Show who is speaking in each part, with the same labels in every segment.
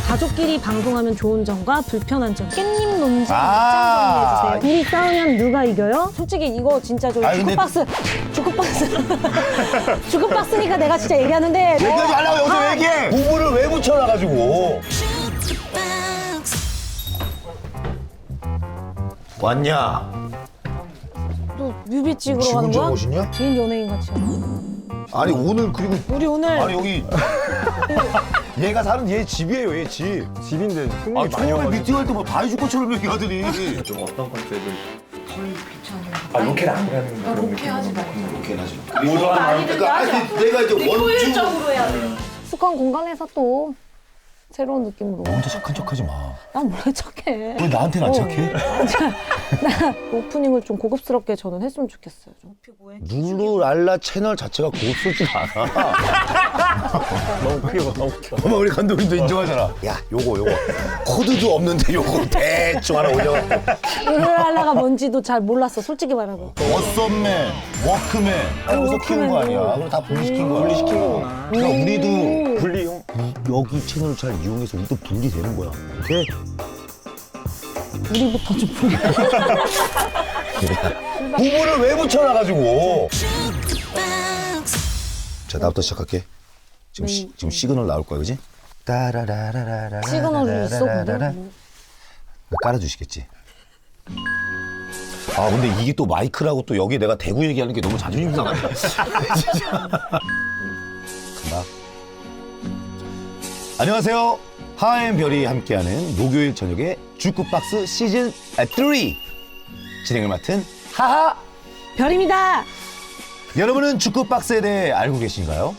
Speaker 1: 가족끼리 방송하면 좋은 점과 불편한 점. 깻잎 논쟁 입장 정리해주세요. 둘이 싸우면 누가 이겨요? 솔직히 이거 진짜 저 주크박스 주크박스니까 내가 진짜 얘기하는데
Speaker 2: 얘기하지 말라고 여기서 얘기해. 부부를 왜 붙여놔가지고. 왔냐?
Speaker 1: 또 뮤비 찍으러
Speaker 2: 지
Speaker 1: 가는
Speaker 2: 혼자
Speaker 1: 거야?
Speaker 2: 오시냐?
Speaker 1: 개인 연예인 같이.
Speaker 2: 아니 오늘 그리고
Speaker 1: 우리 오늘
Speaker 2: 아니 여기 얘가 사는 얘 집이에요, 얘 집.
Speaker 3: 집인데
Speaker 2: 아
Speaker 3: 손님이 많이
Speaker 2: 처음에
Speaker 3: 와가지고.
Speaker 2: 미팅할 때 뭐 다 해줄 것처럼 얘기하더니.
Speaker 3: 좀 어떤 컨셉을? 아 로켓 안 하는 그런 느낌.
Speaker 2: 이렇게 하지. 그러니까 아니 내가 이제 원주.
Speaker 1: 해야 돼. 숙한 공간에서 또 새로운 느낌으로.
Speaker 2: 혼자 착한 척하지 마.
Speaker 1: 난 원래 착해.
Speaker 2: 왜 나한테는 안 착해?
Speaker 1: 나 오프닝을 좀 고급스럽게 저는 했으면 좋겠어요. 좀.
Speaker 2: 룰루랄라 채널 자체가 고급스럽지가 않아.
Speaker 3: 너무 크게 봐, 너무 크게 봐.
Speaker 2: 어머 우리 감독님도 인정하잖아. 야 요거 코드도 없는데 요거 대충 하나 올려갖고.
Speaker 1: 룰랄라가 뭔지도 잘 몰랐어. 솔직히 말하고.
Speaker 2: 워썸맨, 워크맨 여기서 키운 거 아니야. 그걸 다 분리시킨 거야.
Speaker 3: 분리시킨 거구나.
Speaker 2: 그러니까 우리도
Speaker 3: 분리용?
Speaker 2: 여기 채널을 잘 이용해서 우리도 분리되는 거야. 오케이?
Speaker 1: 우리부터 좀 보여.
Speaker 2: 부부를 왜 붙여놔가지고. 자 나부터 시작할게. 지금 시그널 나올 거야, 그지? 따라라라라라.
Speaker 1: 시그널이 있어, 근데?
Speaker 2: 깔아주시겠지. 아 근데 이게 또 마이크라고 또 여기 내가 대구 얘기하는 게 너무 자존심 상하네. 진짜. 간다. 안녕하세요. 하앤별이 함께하는 목요일 저녁에 주크박스 시즌 3 진행을 맡은 하하.
Speaker 1: 별입니다.
Speaker 2: 여러분은 주크박스에 대해 알고 계신가요?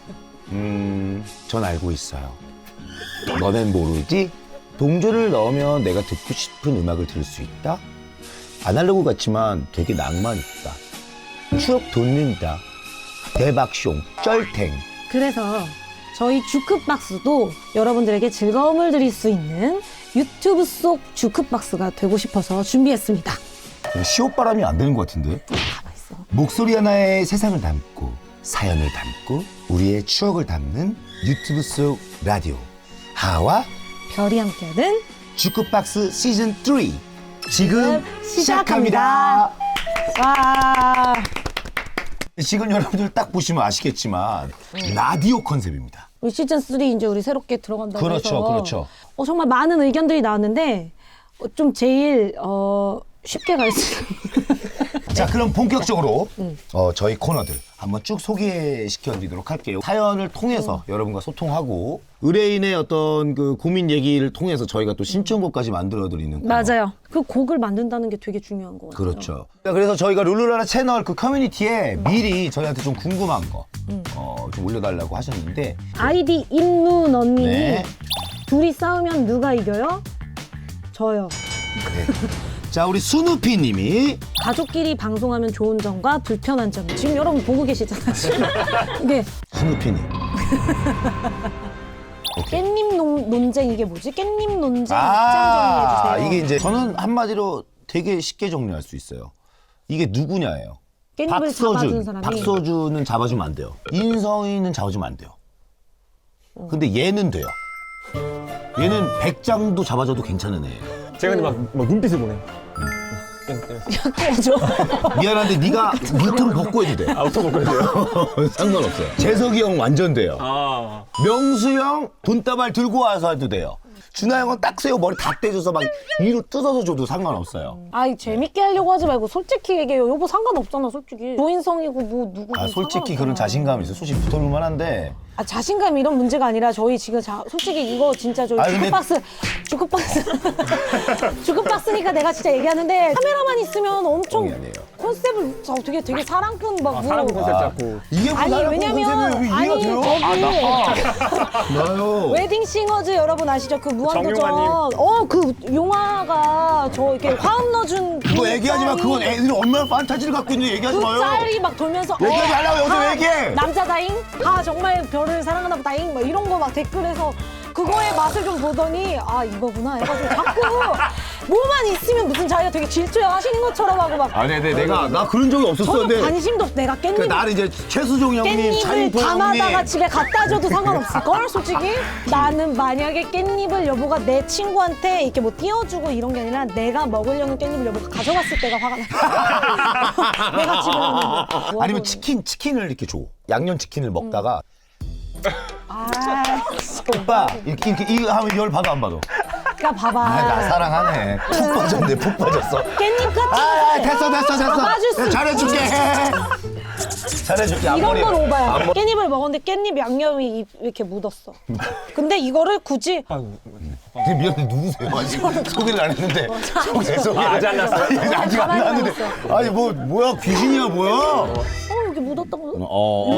Speaker 2: 전 알고 있어요. 너넨 모르지? 동전을 넣으면 내가 듣고 싶은 음악을 들을 수 있다? 아날로그 같지만 되게 낭만 있다. 추억 돋는다. 대박숑, 쩔탱.
Speaker 1: 그래서 저희 주크박스도 여러분들에게 즐거움을 드릴 수 있는 유튜브 속 주크박스가 되고 싶어서 준비했습니다.
Speaker 2: 시옷바람이 안 되는 것 같은데?
Speaker 1: 가만있어.
Speaker 2: 목소리 하나에 세상을 담고 사연을 담고 우리의 추억을 담는 유튜브 속 라디오 하와
Speaker 1: 별이 함께하는
Speaker 2: 주크박스 시즌 3 지금
Speaker 1: 시작합니다. 와.
Speaker 2: 지금 여러분들 딱 보시면 아시겠지만 라디오 컨셉입니다.
Speaker 1: 우리 시즌 3 이제 우리 새롭게 들어간다고
Speaker 2: 그렇죠,
Speaker 1: 해서
Speaker 2: 그렇죠.
Speaker 1: 정말 많은 의견들이 나왔는데 좀 제일 쉽게 갈 수
Speaker 2: 자 그럼 본격적으로 저희 코너들 한번 쭉 소개시켜드리도록 할게요. 사연을 통해서 여러분과 소통하고 의뢰인의 어떤 그 고민 얘기를 통해서 저희가 또 신청곡까지 만들어드리는 코너.
Speaker 1: 맞아요. 그 곡을 만든다는 게 되게 중요한 것 같아요.
Speaker 2: 그렇죠. 그래서 저희가 룰루라라 채널 그 커뮤니티에 미리 저희한테 좀 궁금한 거 좀 올려달라고 하셨는데
Speaker 1: 아이디 임누넌님이
Speaker 2: 네.
Speaker 1: 둘이 싸우면 누가 이겨요? 저요.
Speaker 2: 자 우리 수누피님이
Speaker 1: 가족끼리 방송하면 좋은 점과 불편한 점. 지금 여러분 보고 계시잖아요. 지금. 이게
Speaker 2: 수누피님
Speaker 1: 깻잎 논쟁 이게 뭐지? 깻잎 논쟁 입장 정리해주세요.
Speaker 2: 이게 이제 저는 한마디로 되게 쉽게 정리할 수 있어요. 이게 누구냐예요.
Speaker 1: 깻잎을 잡아준 사람이.
Speaker 2: 박서준은 잡아주면 안 돼요. 인성이는 잡아주면 안 돼요. 근데 얘는 돼요. 얘는 백장도 잡아줘도 괜찮은 애예요.
Speaker 3: 제가 근데 막 눈빛을 보내요.
Speaker 1: 꺼져.
Speaker 2: 미안한데 네가 니트를 벗고 해도 돼.
Speaker 3: 아, 어떤 거 그러세요?
Speaker 2: 상관없어요. 재석이 형 완전 돼요.
Speaker 3: 아.
Speaker 2: 명수 형 돈다발 들고 와서 해도 돼요. 준하 형은 딱 세워 머리 다 떼줘서 막 위로 뜯어서 줘도 상관없어요.
Speaker 1: 아이 재밌게 하려고 하지 말고 솔직히 얘기해요. 여보 상관없잖아 솔직히. 조인성이고 뭐 누구고
Speaker 2: 솔직히
Speaker 1: 상관없잖아.
Speaker 2: 그런 자신감이 있어요. 솔직히 붙어볼 만한데.
Speaker 1: 아 자신감 이런 문제가 아니라 저희 지금 솔직히 이거 진짜 저희
Speaker 2: 근데-
Speaker 1: 주크박스니까 내가 진짜 얘기하는데 카메라만 있으면 엄청
Speaker 2: 아니에요.
Speaker 1: 컨셉을 되게 사랑꾼 막 뭐.
Speaker 3: 사람 컨셉 잡고.
Speaker 2: 이게 뭐
Speaker 1: 아니
Speaker 2: 나라고
Speaker 1: 왜냐면
Speaker 2: 컨셉이에요.
Speaker 1: 아니
Speaker 2: 이해가 돼요?
Speaker 1: 저기
Speaker 2: 나요.
Speaker 1: 웨딩 싱어즈 여러분 아시죠? 그 무한도전
Speaker 3: 정용화님.
Speaker 1: 그 용화가 저 이렇게 화음 넣어준
Speaker 2: 그거 얘기하지 마. 그건 애들이 얼마나 판타지를 갖고 있는지 얘기하지
Speaker 1: 그
Speaker 2: 마요.
Speaker 1: 짤이 막 돌면서
Speaker 2: 얘기하지 말라고 여기서 얘기해.
Speaker 1: 남자다잉? 정말 별을 사랑하나 보다잉? 막 이런 거 막 댓글에서 그거의 맛을 좀 보더니 이거구나 해가지고 자꾸 뭐만 있으면 무슨 자기가 되게 질투야 하시는 것처럼 하고 막
Speaker 2: 아니, 나 그런 적이
Speaker 1: 저도
Speaker 2: 없었었는데.
Speaker 1: 관심도 없어. 내가 깻잎
Speaker 2: 나는 이제 최수종 형님,
Speaker 1: 깻잎을
Speaker 2: 차인포 형님.
Speaker 1: 담아다가 집에 갖다 줘도 상관없을걸 솔직히. 나는 만약에 깻잎을 여보가 내 친구한테 이렇게 뭐 띄워주고 이런 게 아니라 내가 먹으려는 깻잎을 여보가 가져갔을 때가 화가 나. 내가 집에 있는데.
Speaker 2: 아니면 치킨을 이렇게 줘. 양념치킨을 먹다가 오빠 이렇게 이거 하면 열 받아 안 받아?
Speaker 1: 그러니까 봐봐.
Speaker 2: 나 사랑하네. 푹 빠졌네, 푹 빠졌어.
Speaker 1: 깻잎 같은
Speaker 2: 됐어.
Speaker 1: 잡아줄 수
Speaker 2: 잘해줄게. 잘해줄게.
Speaker 1: 이런
Speaker 2: 앞머리.
Speaker 1: 건 오바야. 깻잎을 먹었는데 깻잎 양념이 이렇게 묻었어. 근데 이거를 굳이
Speaker 2: 미안해, 누구세요? 아직 소개를 안 했는데. 소개.
Speaker 4: 아직 안 났어요?
Speaker 2: 아직 안 났는데. 아니 뭐야 귀신이야 뭐야?
Speaker 1: 여기 묻었다고. 이거는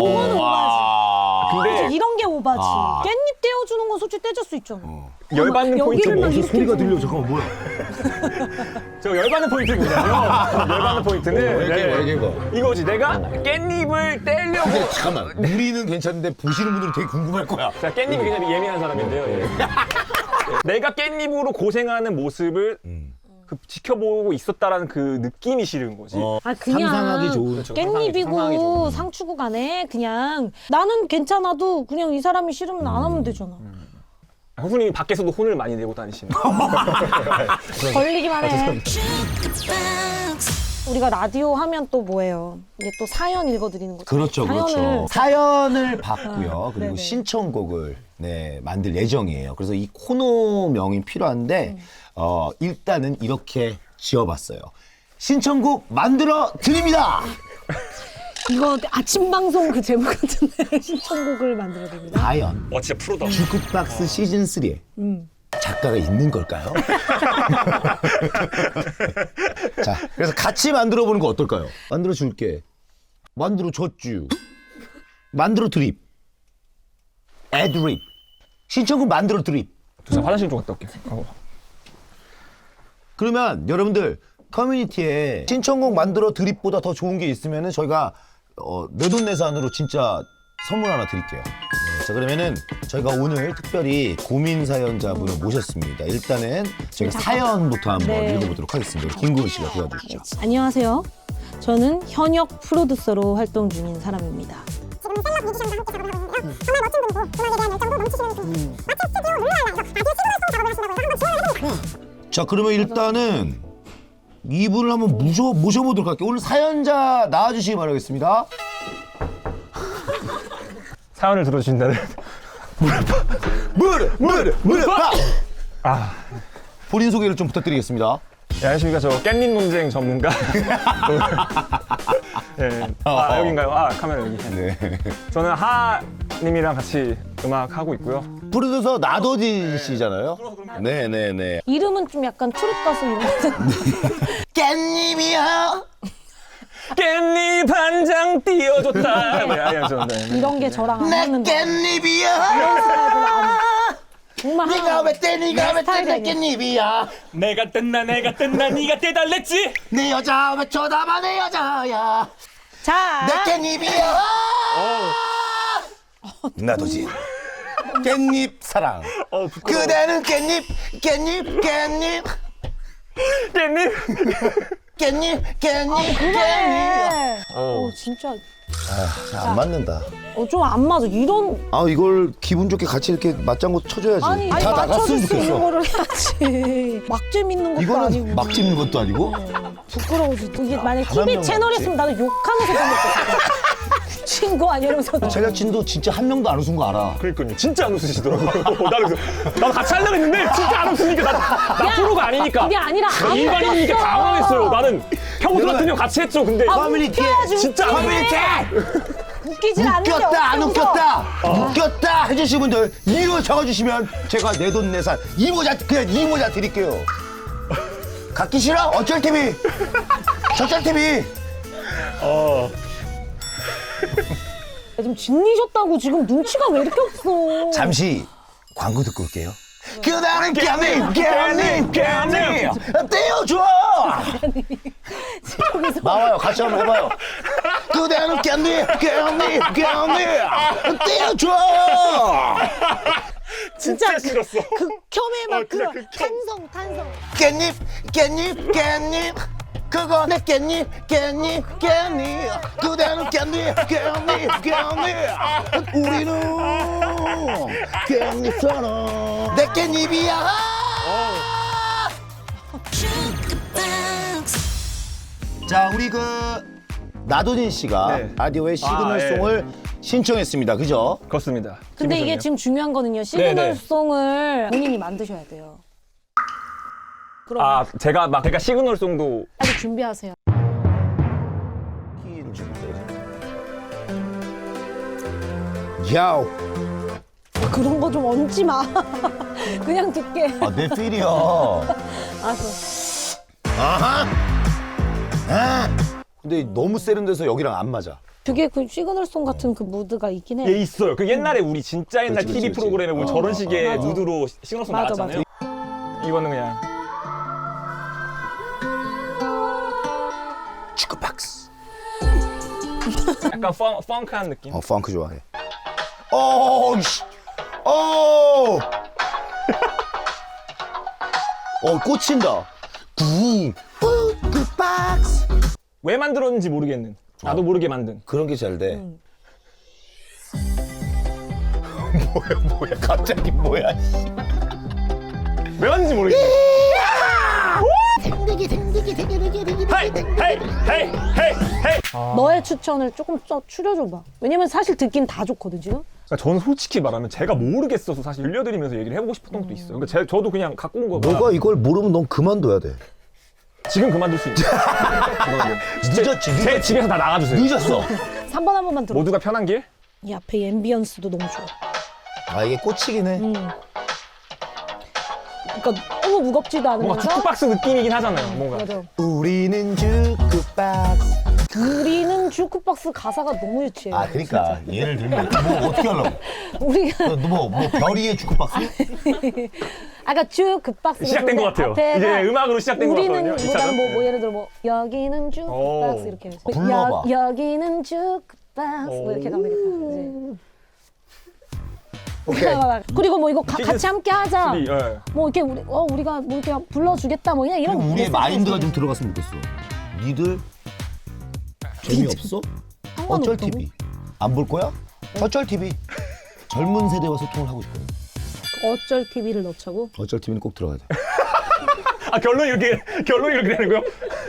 Speaker 2: 아.
Speaker 1: 오바지.
Speaker 4: 근데
Speaker 1: 이런 게 오바지. 깻잎 떼어주는 건 솔직히 떼줄 수 있잖아.
Speaker 4: 열받는 포인트
Speaker 1: 여기를 막
Speaker 4: 뭐
Speaker 1: 이렇게
Speaker 2: 소리가 들려. 잠깐만 뭐야?
Speaker 4: 저 열받는 포인트거든요. 열받는 포인트는
Speaker 2: 얘기해봐.
Speaker 4: 이거지. 내가 깻잎을 떼려고.
Speaker 2: 근데 잠깐만 우리는 괜찮은데 보시는 분들은 되게 궁금할 거야.
Speaker 4: 제가 깻잎이 굉장히 예민한 사람인데요. 예. 내가 깻잎으로 고생하는 모습을 그 지켜보고 있었다라는 그 느낌이 싫은 거지.
Speaker 1: 아 그냥
Speaker 2: 상상하기 좋은.
Speaker 4: 그렇죠. 상상하기
Speaker 1: 깻잎이고
Speaker 4: 좋은.
Speaker 1: 상추고 간에 그냥 나는 괜찮아도 그냥 이 사람이 싫으면 안 하면 되잖아.
Speaker 4: 후수님이 밖에서도 혼을 많이 내고 다니시는.
Speaker 1: 걸리기만 해. 우리가 라디오 하면 또 뭐예요? 이게 또 사연 읽어드리는 거죠.
Speaker 2: 그렇죠, 그렇죠. 사연을 받고요. 그리고
Speaker 1: 네네.
Speaker 2: 신청곡을 만들 예정이에요. 그래서 이 코너명이 필요한데 일단은 이렇게 지어봤어요. 신청곡 만들어 드립니다.
Speaker 1: 이거 아침 방송 그 제목 같은데 신청곡을 만들어야 됩니다.
Speaker 2: 과연
Speaker 4: 진짜 프로다.
Speaker 2: 주크박스 시즌 3에 작가가 있는 걸까요? 자, 그래서 같이 만들어 보는 거 어떨까요? 만들어 줄게. 만들어 줬쥬. 만들어 드립. 애드립. 신청곡 만들어 드립.
Speaker 4: 저 화장실 좀 갔다 올게요.
Speaker 2: 그러면 여러분들 커뮤니티에 신청곡 만들어 드립보다 더 좋은 게 있으면은 저희가 내돈내산으로 진짜 선물 하나 드릴게요. 네, 자 그러면은 저희가 오늘 특별히 고민 사연자분을 모셨습니다. 일단은 저희가 사연부터 한번
Speaker 1: 네.
Speaker 2: 읽어보도록 하겠습니다. 김구은 씨가 도와주시죠.
Speaker 1: 안녕하세요. 저는 현역 프로듀서로 활동 중인 사람입니다.
Speaker 5: 지금 셀럽 뮤지션과 함께 작업을 하고 있는데요. 정말 멋진 분이고 음악에 대한 열정도 넘치시는 분. 마치 스튜디오 룰라라에서 라디오 최고의 작업을 하신다고 해서 한번 지원을 해보겠습니다.
Speaker 2: 자 그러면 일단은 이분을 한번 모셔보도록 할게요. 오늘 사연자 나와주시기 바라겠습니다.
Speaker 4: 사연을 들어주신다는.
Speaker 2: 무릎!
Speaker 4: 아,
Speaker 2: 본인 소개를 좀 부탁드리겠습니다.
Speaker 4: 네, 안녕하십니까. 저 깻잎 논쟁 전문가. 네. 여긴가요? 카메라 여기.
Speaker 2: 네.
Speaker 4: 저는 하님이랑 같이 음악 하고 있고요.
Speaker 2: 프로듀서 나도진 씨잖아요. 네네네.
Speaker 1: 이름은 좀 약간 트롯 가수 이런 거.
Speaker 2: 깻잎이야.
Speaker 4: 깻잎 한 장 띄워줬다.
Speaker 1: 이런 게 저랑 안
Speaker 2: 내
Speaker 1: 맞는데.
Speaker 2: 깻잎이야.
Speaker 1: 정말
Speaker 2: 네가 왜 떼? 네가 왜 떼? 내
Speaker 1: 스타일이
Speaker 2: 깻잎이야.
Speaker 4: 내가 뜬다 네가 떼달랬지.
Speaker 2: 내 여자 왜 쳐다봐 내 여자야.
Speaker 1: 자,
Speaker 2: 내 깻잎이야. 나도진. 깻잎 사랑.
Speaker 4: 부끄러워.
Speaker 2: 그대는 깻잎.
Speaker 4: 깻잎.
Speaker 1: 그래. 진짜
Speaker 2: 안 맞는다.
Speaker 1: 좀 안 맞아. 이런
Speaker 2: 이걸 기분 좋게 같이 이렇게 맞장구 쳐줘야지.
Speaker 1: 아니
Speaker 2: 다
Speaker 1: 맞춰줄
Speaker 2: 나갔으면
Speaker 1: 수 있는
Speaker 2: 좋겠어.
Speaker 1: 거를 해야지. 막 재밌는 것도 아니고.
Speaker 2: 이거는 막 찝는 것도 아니고.
Speaker 1: 부끄러워서 이게 만약
Speaker 2: 단
Speaker 1: TV
Speaker 2: 명
Speaker 1: 채널이었으면 나도 욕하면서 보냈겠어. 친구 아니야 이러면서.
Speaker 2: 제작진도 진짜 한 명도 안 웃은 거 알아.
Speaker 4: 그러니까요. 진짜 안 웃으시더라고요. 나도 같이 하려고 했는데 진짜 안 웃으니까 나 프로가 아니니까.
Speaker 1: 그게 아니라
Speaker 4: 나
Speaker 1: 안
Speaker 4: 일반인이니까
Speaker 1: 웃겼어.
Speaker 4: 당황했어요. 나는 평소 같으면 같이 했죠. 근데
Speaker 2: 커뮤니티에
Speaker 4: 진짜 안
Speaker 2: 커뮤니티
Speaker 1: 웃기질 않는데
Speaker 2: 웃겼다 안
Speaker 1: 없어서.
Speaker 2: 웃겼다 웃겼다 해주신 분들 이유 적어주시면 제가 내돈내산 이모자 그냥 이모자 드릴게요. 갖기 싫어? 어쩔 TV 저쩔 TV.
Speaker 1: 지금 진리셨다고 지금 눈치가 왜 이렇게 없어.
Speaker 2: 잠시 광고 듣고 올게요. 그다는 깻잎 떼어줘. 나와요. 같이 한번 해봐요. 그대는 깻잎 떼어줘.
Speaker 4: 진짜 싫었어.
Speaker 1: 극혐의 막
Speaker 4: 진짜
Speaker 1: 그런
Speaker 4: 극혐.
Speaker 1: 탄성.
Speaker 2: 깻잎 그거 내 깻잎 그대는 깻잎 우리는 깻잎처럼 내 깻잎이야 자 우리 그 나도진 씨가
Speaker 4: 네.
Speaker 2: 라디오의 시그널송을 신청했습니다 그죠?
Speaker 4: 그렇습니다.
Speaker 1: 근데 이게
Speaker 4: 기분 좋네요.
Speaker 1: 지금 중요한 거는요. 시그널송을 본인이 만드셔야 돼요. 그럼
Speaker 4: 아 제가 시그널송도
Speaker 1: 빨리 준비하세요.
Speaker 2: 야우
Speaker 1: 그런 거 좀 얹지 마. 그냥 듣게.
Speaker 2: 내 필이야
Speaker 1: 알았어.
Speaker 2: 아하 근데 너무 세련돼서 여기랑 안 맞아
Speaker 1: 되게 그 시그널송 같은 그 무드가 있긴 해.
Speaker 4: 예 있어요. 그 옛날에 우리 진짜 옛날
Speaker 2: 그렇지,
Speaker 4: TV
Speaker 2: 그렇지.
Speaker 4: 프로그램에 우리 저런 식의
Speaker 1: 맞아.
Speaker 4: 무드로 시그널송
Speaker 1: 맞아,
Speaker 4: 나왔잖아요. 이거는 그냥
Speaker 2: 축구박스
Speaker 4: 약간 펑크한 느낌.
Speaker 2: 펑크 좋아해 씨. 꽂힌다 축구박스
Speaker 4: 왜 만들었는지 모르겠는. 나도 모르게 만든.
Speaker 2: 그런 게 잘돼 뭐야 갑자기 뭐야
Speaker 4: 왜 만든지 모르겠네. 헤이 헤이 헤이 헤이 헤이.
Speaker 1: 너의 추천을 조금 더 추려줘봐. 왜냐면 사실 듣긴 다 좋거든 지금.
Speaker 4: 그러니까 저는 솔직히 말하면 제가 모르겠어서 사실 들려드리면서 얘기를 해보고 싶었던 것도 있어요. 그러니까 저도 그냥 갖고 온 거가
Speaker 2: 너가 이걸 모르면 넌 그만둬야 돼
Speaker 4: 지금 그만둘 수 있죠.
Speaker 2: 늦었지
Speaker 4: 제 집에서 다 나가주세요.
Speaker 2: 늦었어
Speaker 1: 3번 한 번만 들어.
Speaker 4: 모두가 편한 길.
Speaker 1: 이 앞에 앰비언스도 너무 좋아.
Speaker 2: 아 이게 꽂히긴 해
Speaker 1: 그러니까 너무 무겁지도
Speaker 4: 뭔가
Speaker 1: 않으면서.
Speaker 4: 주크박스 느낌이긴 하잖아요. 뭔가.
Speaker 1: 맞아.
Speaker 2: 우리는 주크박스
Speaker 1: 우리는 주크박스 가사가 너무 유치해.
Speaker 2: 아 그러니까 예를 들면 뭐 어떻게 하려고
Speaker 1: 우리가
Speaker 2: 뭐 별이의 주크박스?
Speaker 1: 아까 주크박스
Speaker 4: 시작된 것 같아요. 이제 음악으로 시작된 것 같거든요.
Speaker 1: 우리는
Speaker 4: 이차전.
Speaker 1: 보다는 뭐 예를 들어 뭐 여기는 주크박스
Speaker 4: 오.
Speaker 1: 이렇게 해서
Speaker 2: 불러봐.
Speaker 1: 여기는 주크박스 뭐 이렇게 가면 되겠다.
Speaker 2: 오케이
Speaker 1: 그리고 뭐 이거 같이 함께 하자.
Speaker 4: 예.
Speaker 1: 뭐 이렇게 우리가 뭐 이렇게 불러주겠다 뭐 그냥 이런
Speaker 2: 그리고 우리의
Speaker 1: 메시지
Speaker 2: 마인드가
Speaker 1: 있어요.
Speaker 2: 좀 들어갔으면 좋겠어 니들 재미없어? 어쩔
Speaker 1: 상관없다고?
Speaker 2: TV 안 볼 거야? 어쩔 TV 젊은 세대와 소통을 하고 있거든
Speaker 1: 어쩔 TV를 넣자고?
Speaker 2: 어쩔 TV는 꼭 들어가야 돼
Speaker 4: 아 결론이 이렇게 되는 거요?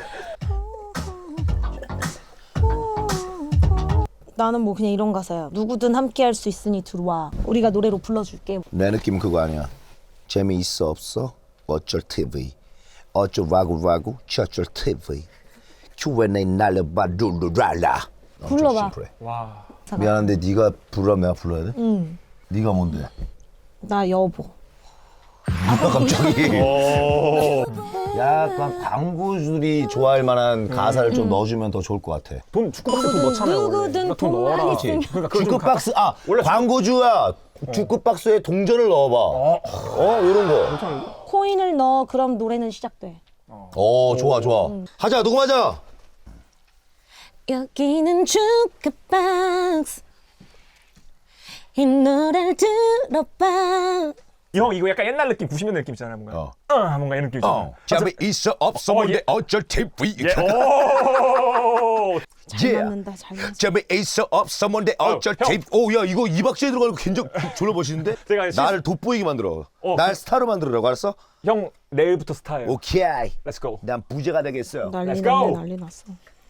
Speaker 1: 나는 뭐 그냥 이런 가사야. 누구든 함께 할 수 있으니 들어와. 우리가 노래로 불러줄게.
Speaker 2: 내 느낌은 그거 아니야 재미있어 없어? 어쩔 TV 어쩌라고 저쩔 TV Q&A 날려봐 룰루랄라
Speaker 1: 불러봐.
Speaker 4: 와.
Speaker 2: 미안한데 네가 부르면 내가 불러야 돼?
Speaker 1: 응.
Speaker 2: 네가 뭔데?
Speaker 1: 나 여보.
Speaker 2: 뭐야 갑자기
Speaker 4: 오.
Speaker 2: 약간 광고주들이 좋아할 만한 가사를 좀 넣어주면 더 좋을 것 같아
Speaker 4: 돈 주크박스 돈 넣잖아요. 원래.
Speaker 1: 누구든
Speaker 4: 그러니까 돈 넣어라.
Speaker 1: 돈만 있으면.
Speaker 4: 그러니까 그걸 좀
Speaker 2: 주크박스
Speaker 4: 원래
Speaker 2: 광고주야 주크박스에 동전을 넣어봐 이런 거
Speaker 1: 코인을 넣어. 그럼 노래는 시작돼.
Speaker 2: 좋아 하자 녹음하자
Speaker 1: 여기는 주크박스. 이 노래를 들어봐.
Speaker 4: 형 이거 약간 옛날 느낌 90년대 느낌 있잖아요. 뭔가. 뭔가 이런 느낌 있잖아요.
Speaker 2: 재미있어 없어 뭔데 어쩔 TV
Speaker 4: 예. 오.
Speaker 1: 잘 맞는다. 잘 맞는다.
Speaker 2: 재미있어 없어 뭔데 어쩔
Speaker 4: 형.
Speaker 2: TV 야 이거 2박 7일 들어가는 거 굉장히 졸라 멋있는데?
Speaker 4: 제가
Speaker 2: 나를 돋보이게 만들어 날 스타로 만들으라고 알았어?
Speaker 4: 형 내일부터 스타예요.
Speaker 2: 오케이
Speaker 4: Let's go.
Speaker 2: 난 부제가 되겠어
Speaker 1: 난리
Speaker 4: Let's
Speaker 1: 났네.
Speaker 4: go.
Speaker 1: 난리 났어.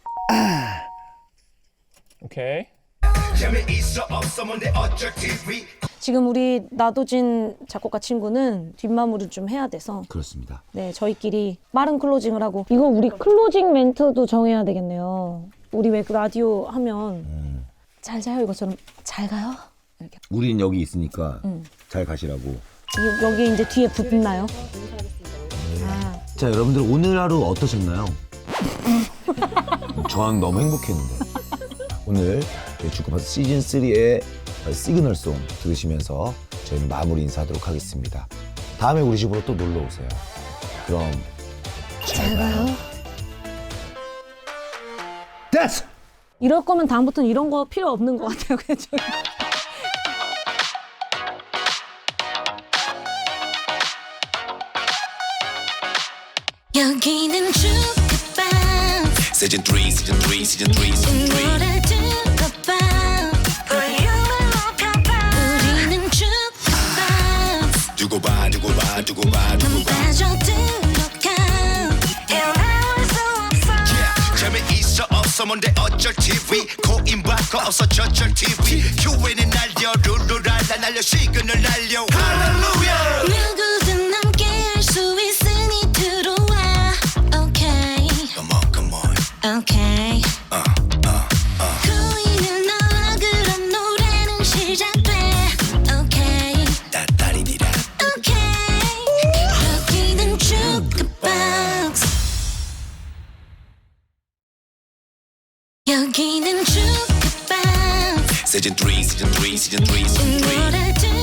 Speaker 4: 오케이.
Speaker 2: 재미있어 없어 뭔데 어쩔 TV
Speaker 1: 지금 우리 나도진 작곡가 친구는 뒷마무리를 좀 해야 돼서
Speaker 2: 그렇습니다
Speaker 1: 네 저희끼리 빠른 클로징을 하고 이거 우리 클로징 멘트도 정해야 되겠네요. 우리 왜 그 라디오 하면 잘 자요 이것처럼 잘 가요 이렇게
Speaker 2: 우린 여기 있으니까 잘 가시라고
Speaker 1: 여기 이제 뒤에 붙나요?
Speaker 2: 자 여러분들 오늘 하루 어떠셨나요? 전 너무 행복했는데 오늘 주크박스 시즌3의 시그널송 들으시면서 저희는 마무리 인사하도록 하겠습니다. 다음에 우리 집으로 또 놀러 오세요. 그럼 잘 가요. 됐어!
Speaker 1: 이럴 거면 다음부터는 이런 거 필요 없는 것 같아요. 그냥 저희.
Speaker 6: 여기는 주크방
Speaker 7: Season 3, Season 3, Season 3, Season 3
Speaker 6: 노래 들어봐 볼륨을 높여봐 우리는 주크방
Speaker 7: 두고 봐, 두고 봐, 두고 봐, 두고 봐
Speaker 6: 빠져들어가 헤어나올 수 없어
Speaker 7: 재미있어 없어 뭔데 어쩔 TV 코인 바꿔 없어 저쩔 TV QN은 날려 룰루랄라 날려 시그널 날려 할렐루야
Speaker 6: 누구든 함께 할 수 있으니 들어와 Okay
Speaker 7: Come on, come on
Speaker 6: Okay 보이는 너와 그런 노래는 시작돼 Okay
Speaker 7: 따따리디라
Speaker 6: Okay 여기는 주크박스 여기는 주크박스
Speaker 7: Season 3, Season 3, Season 3, Season 3
Speaker 6: 노래 들어봐